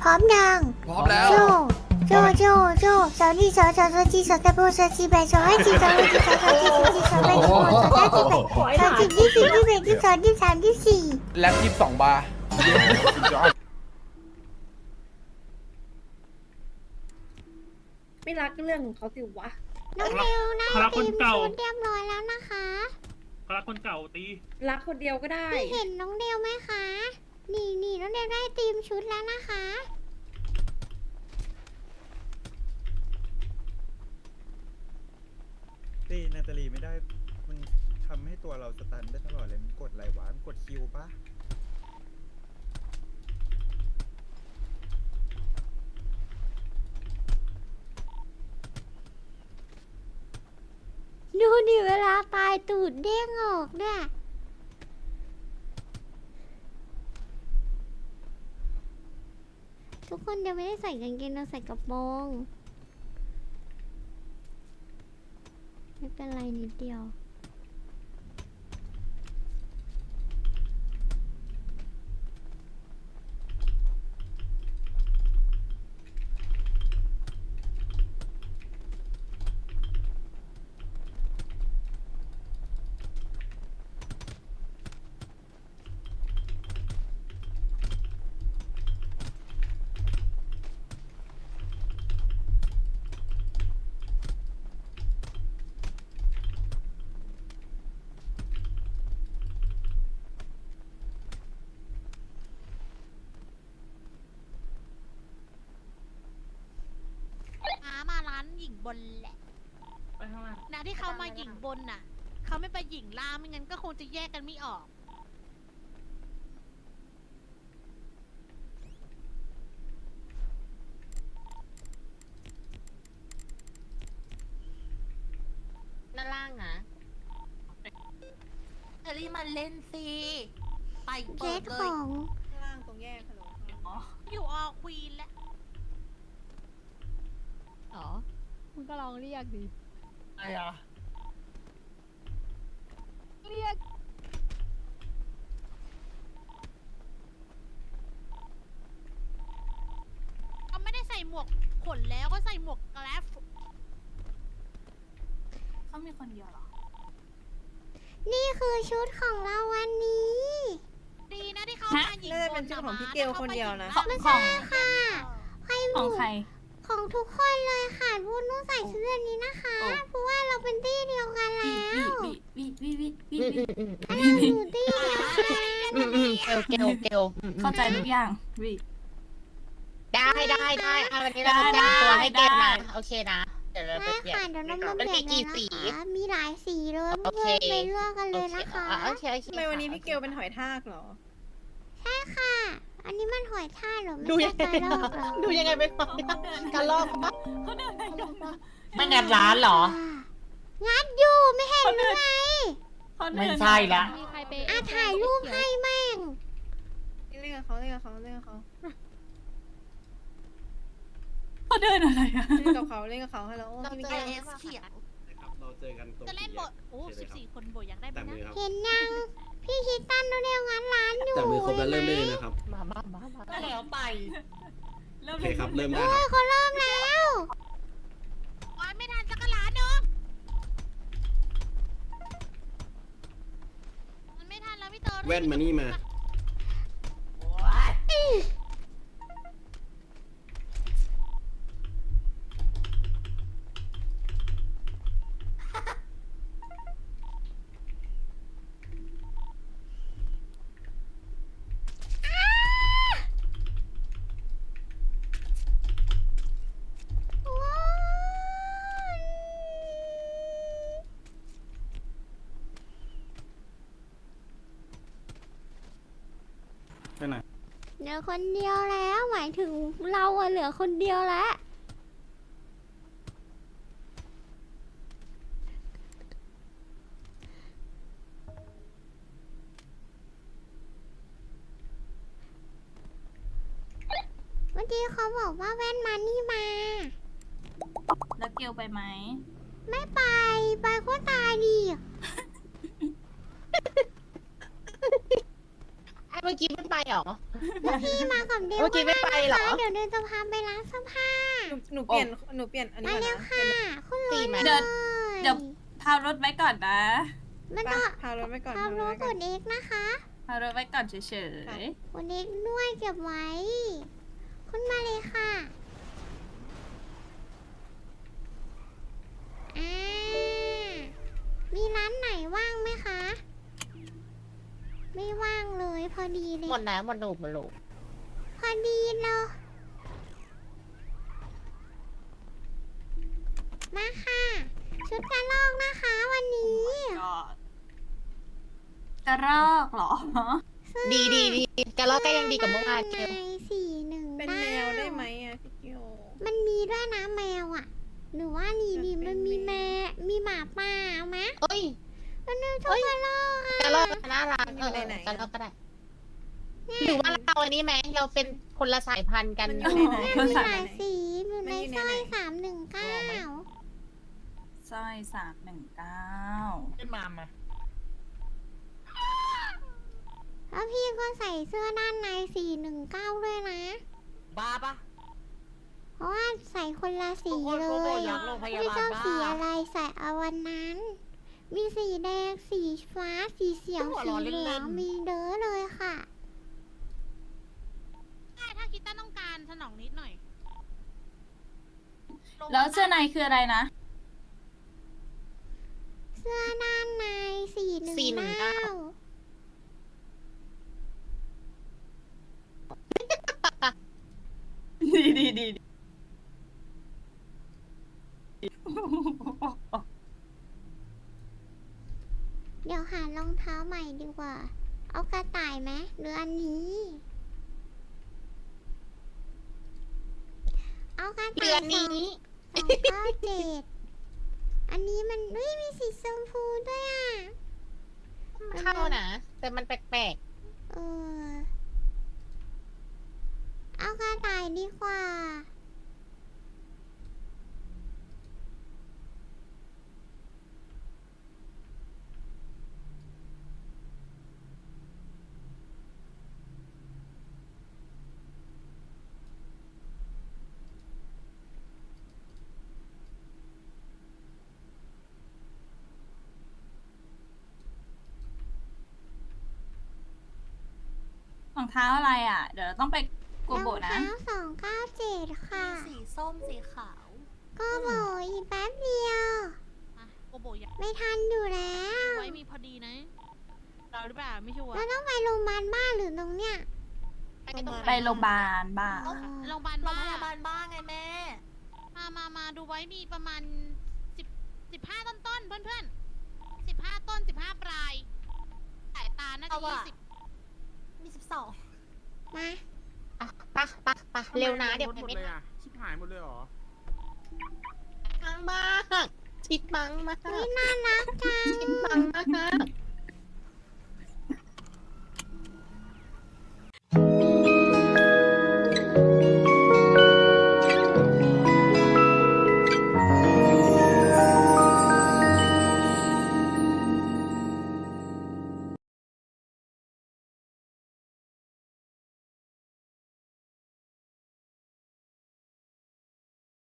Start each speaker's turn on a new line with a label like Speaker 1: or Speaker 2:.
Speaker 1: ร้อมยัง
Speaker 2: พร้อมแล้ว
Speaker 1: โจโจสาวนี่สาวจีสาวตะโบสาวจีแบสาวให้จีสาวให้จีสาวจีสาวจีสาวแบสาวสาวจีแบสาวจีที่สี่ที่แบที่สองที่สามที่สี่
Speaker 2: แล็บ22 บาร์
Speaker 3: ไม่รักเรื่องของเขาสิวะ
Speaker 1: น้องเร็วนะ
Speaker 4: คาราคนเก่า
Speaker 1: เตรียมร้อยแล้วนะคะ
Speaker 4: ก็รักคนเก่าตี
Speaker 3: รักคนเดียวก็ได้
Speaker 1: พี่เห็นน้องเดวไหมคะ นี่น้องเดวได้เตรียมชุดแล้วนะคะ
Speaker 5: ตีนาตาลีไม่ได้ มันทำให้ตัวเราสตันได้ตลอดเลย มันกดอะไรวะ มันกดคิวปะ
Speaker 1: ดูดิเวลาตายตูดเด้งออกด้วยทุกคนเดี๋ยวไม่ได้ใส่กางเกงเราใส่กระโปรงไม่เป็นไรนิดเดียว
Speaker 6: มาร้านหญิงบนแหละ
Speaker 4: ไปข้างล่าง
Speaker 6: นะที่เขามาหญิงบนน่ะ เขาไม่ไปหญิงล่างไม่งั้นก็คงจะแยกกันไม่ออก
Speaker 7: ด้านล่างนะ
Speaker 6: เอลลี่มาเล่นสิไป
Speaker 1: เค
Speaker 6: เปิ
Speaker 1: ส
Speaker 6: ดเล
Speaker 1: ข
Speaker 6: ย
Speaker 1: อง
Speaker 3: ข้างล่างตรงแยกฮัลโหล
Speaker 6: อยู่ออควีนแล้ว
Speaker 7: อ๋อมึงก็ลองเรียกดิ
Speaker 2: ไอ้อะ
Speaker 7: เรียก
Speaker 6: เขาไม่ได้ใส่หมวกขนแล้วก็ใส่หมวกแกลฟ
Speaker 3: เขามีคนเดียวเหรอ
Speaker 1: นี่คือชุดของเราวันนี้
Speaker 6: ดีนะที่เขามาหญิงบน
Speaker 3: น่าจะเป็นชื่อของพี่เกลคนเดียวนะ
Speaker 1: ไม่ใช่ค่ะให้ห
Speaker 3: ข
Speaker 1: มู
Speaker 3: องใคร
Speaker 1: ของทุกคนเลยค่ะพูดนุ่งใส่ชุดแบบนี้นะคะ เพราะว่าเราเป็นตี้เดียวกันแล้วถ้าเราอยู่ตี้เดียวกัน
Speaker 7: เกล
Speaker 3: เข้าใจทุกอย่างวิ
Speaker 7: ได้เอาวันนี้เราจะแต่งตัวให้เกมนะโอเคนะ เดี๋ยวเราไป
Speaker 1: ได้
Speaker 7: เปลี่ยน
Speaker 1: ค่ะเดี๋ยวน้องมา
Speaker 7: มัน
Speaker 1: เปลี่
Speaker 7: มี
Speaker 1: ยนเลย
Speaker 7: กี่
Speaker 1: นะ
Speaker 7: สี
Speaker 1: คะมีหลายสีเลย
Speaker 7: โอ
Speaker 1: เพื่
Speaker 7: เค
Speaker 1: อนๆไปเลือกกันเลยนะคะ
Speaker 7: โอเค
Speaker 3: ทำไมวันนี้พี่เกลเป็นหอยทากเหรอ
Speaker 1: ใช่ค่ะ อันนี้มันหอยทากเหรอไม่
Speaker 7: ดู
Speaker 1: ใช่
Speaker 7: ยัง
Speaker 1: กระรอกเหรอ
Speaker 7: ดูยังไงเป็นการลอกปะไม่งัดร้านเหรอ
Speaker 1: งัดอยู่ไม่เห็นหรือไง
Speaker 7: ไม่ใช่ละ
Speaker 8: มีใครไป
Speaker 1: อ่ะถ่ายรูปให้แม่ง
Speaker 3: เล่นกับเขาเล่นกับเขาเล่นกับเขา
Speaker 9: เขาเดินอะไรอะ
Speaker 3: เล่นกับเขาเล่นกับเขาฮัลโหล
Speaker 6: เรา
Speaker 3: พี่
Speaker 6: เจ
Speaker 3: มิ
Speaker 6: อ
Speaker 3: เกล
Speaker 6: เอสเขียว
Speaker 10: ครับเราเจอกันตรง
Speaker 6: จะเล่นบทโอ้14 คนบทอยากได้ไหม
Speaker 10: แต่
Speaker 6: นะ
Speaker 10: มือครับ
Speaker 1: เห็นยัง พี่คิดตันดูเร็วงั้นร้านอยู่
Speaker 10: แต่มือครบแล้วเริ่มได้เลยนะครับ
Speaker 7: มาก็แล้วไป
Speaker 10: โอเคครับ เริ่มได้
Speaker 1: โอ้
Speaker 10: ค
Speaker 1: ย
Speaker 10: รับ
Speaker 1: เขาเริ่มแล้ว
Speaker 6: โอ้ยไม่ทันสักหลานเนาะมันไม่ทันแล้วพี่เตอร์
Speaker 10: แว่นมานี่มา
Speaker 5: ไปไหน
Speaker 1: เหลือคนเดียวแล้วหมายถึงเราอะเหลือคนเดียวแล้ว เมื่อกี้เขาบอกว่าแว่นมานี่มา
Speaker 9: แล้วเกลไปไหม
Speaker 1: ไม่ไป ไปก็ตายดิ
Speaker 7: ไอ้เมื่อกี้มันไปเหรอ
Speaker 1: พี่มากับเดว
Speaker 7: เมื่อกี้ไม่ไปเหรอ
Speaker 1: เดี๋ยวเดินจะพาไปร้านเสื้อผ้า
Speaker 3: หนูเปลี่ยนอันนี้
Speaker 1: มา
Speaker 3: ก่อน
Speaker 1: เร็ว
Speaker 3: นะ
Speaker 1: ค่ะคุณร
Speaker 7: สี่
Speaker 1: ถ
Speaker 7: ไหม
Speaker 1: เลย
Speaker 9: เดี๋ยวพารถไว้ก่อนนะ
Speaker 1: มัน
Speaker 3: ไป
Speaker 1: ต้อง
Speaker 3: พารถไว้ก่อน
Speaker 1: ขับรถ
Speaker 3: พารถไว้
Speaker 1: ก
Speaker 3: ก่อน
Speaker 1: ดเอ็กนะคะ
Speaker 9: พารถไว้ก่อนเฉย
Speaker 1: กดเอ็กด้วยเก็บไว้ คุณมาเลยค่ะอ่ามีร้านไหนว่างไหมคะ ไม่ว่างเลยพอดีเลย
Speaker 7: หมดแล้วหมดลูก
Speaker 1: พอดีเลยมาค่ะ ชุดกระลอกนะคะวันนี้
Speaker 9: ๆกระรอกเหรอ
Speaker 7: ดีกระลอกก็ยังดีกับเมื่อวานเกล
Speaker 1: ใน419
Speaker 3: เป็นแมวได้ไหมอ่ะพี่เกียว
Speaker 1: มันมีด้วยนะแมวอ่ะ หรือว่านี่ดี
Speaker 3: มันเป็น
Speaker 1: มันมี
Speaker 3: แม
Speaker 1: มีหมาป่าเอาไหม
Speaker 7: เอ้ย
Speaker 1: มันเป็นชุดกระลอกอ่ะ
Speaker 7: กระลอกน่ารัก
Speaker 3: มันอยู่ในไหน
Speaker 7: กระลอกก็ได้หรือว่าเราอันนี้ไหมเราเป็นคนละสายพันธุ์กัน
Speaker 3: มันอยู่ในไหน
Speaker 1: มันมี
Speaker 3: มัน
Speaker 1: หลาย
Speaker 3: อยู่ในไหน
Speaker 1: สีอยู่ใน
Speaker 3: มันอยู่
Speaker 1: สร้อย
Speaker 3: ในไหน
Speaker 1: 319
Speaker 9: สร้อย319
Speaker 2: ขึ้นมามา
Speaker 1: แล้วพี่ก็ใส่เสื้อด้านใน419ด้วยนะ
Speaker 2: บ้าปะ
Speaker 1: เพราะว่าใส่คนละสี
Speaker 2: ทุกคน
Speaker 1: เล
Speaker 2: เขาบอก
Speaker 1: ย
Speaker 2: อยากโรงพยา
Speaker 1: ไม่
Speaker 2: บาล
Speaker 1: ชอบ
Speaker 2: บ้า
Speaker 1: สีอะไรใส่เอาวันนั้น มีสีแดง สีฟ้า สีเขียว
Speaker 2: หัว
Speaker 1: สี
Speaker 2: เราะ
Speaker 1: เหลื
Speaker 2: เล่
Speaker 1: อง
Speaker 2: นๆ
Speaker 1: มีเด้อเลยค่ะ
Speaker 6: ถ้าคิดต้าต้องการสนองนิดหน่อย
Speaker 9: แล้วเสื้อในคืออะไรนะ
Speaker 1: เสื้อด้านใน419
Speaker 9: ดี
Speaker 1: เดี๋ยวหารองเท้าใหม่ดีกว่า เอากระต่ายไหมหรืออันนี้ เอากระ
Speaker 7: เดื
Speaker 1: ต่า
Speaker 7: อย นนี้
Speaker 1: 297อันนี้มันอุ้ยมีสีชมพูด้วยอ่ะ
Speaker 7: เข้านะ แต่มันแปลก
Speaker 1: เออ เอากระต่ายดีกว่า
Speaker 9: รองเท้าอะไรอ่ะ เดี๋ยวเราต้องไปโกโบะนะ
Speaker 1: รองเท้า297 ค่ะ
Speaker 6: สีส้มสีขาว
Speaker 1: ก็บอกอีกแป๊บเดียว
Speaker 6: อ่ะโกโบอยาก
Speaker 1: ไม่ทันอยู่แล้ว
Speaker 6: ไว้มีพอดีนะ เราหรือเปล่าไม่ชัวร์
Speaker 1: เราต้องไปโรงพยาบาลบ้านหรือตรงเนี้ย
Speaker 9: ไปโรงพยาบาลบ้าง
Speaker 6: โรงพยาบาลบ้า
Speaker 3: บ้างไงแม่
Speaker 6: มาดูไว้มีประมาณ15 ต้นๆเพื่อนๆ15 ต้น 15 ปลายสายตาน่าจะ20 มี12
Speaker 1: มา
Speaker 7: ๆอ่ะปะเร็วนะ เดี๋ยวไปไม่ทัน
Speaker 2: ชิบหายหมดเลยเหรอ
Speaker 7: มังมากชิดมังมาก
Speaker 1: อุ้ยน่ารักจัง
Speaker 7: ชิดมังมาก